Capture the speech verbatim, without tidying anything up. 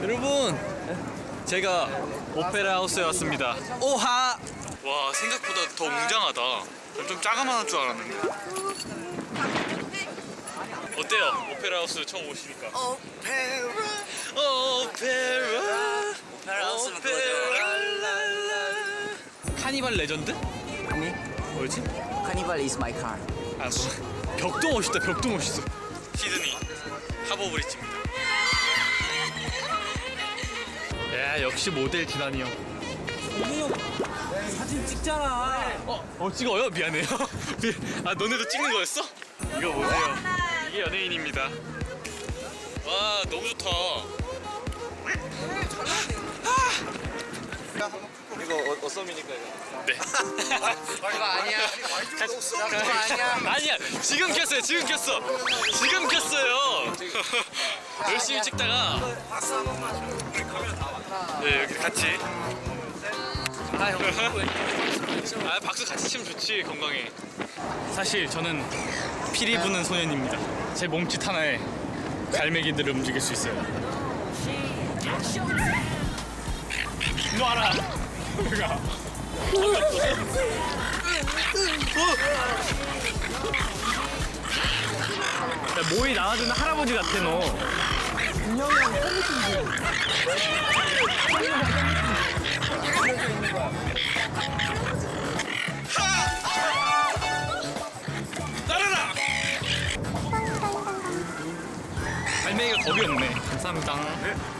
여러분, 제가 오페라 하우스에 왔습니다. 오하! 와, 생각보다 더 웅장하다. 좀 자그마한 줄 알았는데. 어때요? 오페라 하우스 처음 오시니까? 오페라 오페라 오페라 하우스는 카니발 레전드? 아니 뭐였지? 카니발 is my car. 아, 뭐 벽도 멋있다. 벽도 멋있어. 시드니 하버 브릿지입니다. 야, 역시 모델 디나니 형. 동민이 형 사진 찍잖아. 어, 어 찍어요? 미안해요. 미... 아, 너네도 찍는 거였어? 이거 보세요. 이게 연예인입니다. 와, 너무 좋다. 이거 어, 어썸이니까 이거. 네. 그거 아니야. 그거 아니야. 아니야. 지금 켰어요. 지금 켰어. 지금 켰어요. 열심히 찍다가. 네, 이렇게 같이. 아 형. 아, 박수 같이 치면 좋지, 건강에. 사실 저는 피리 부는 소년입니다. 제 몸짓 하나에 갈매기들을 움직일 수 있어요. 놔라. 내가. 모이 나와주는 할아버지 같아 너. 따라라. 갈매기가 겁이 없네. 감사합니다.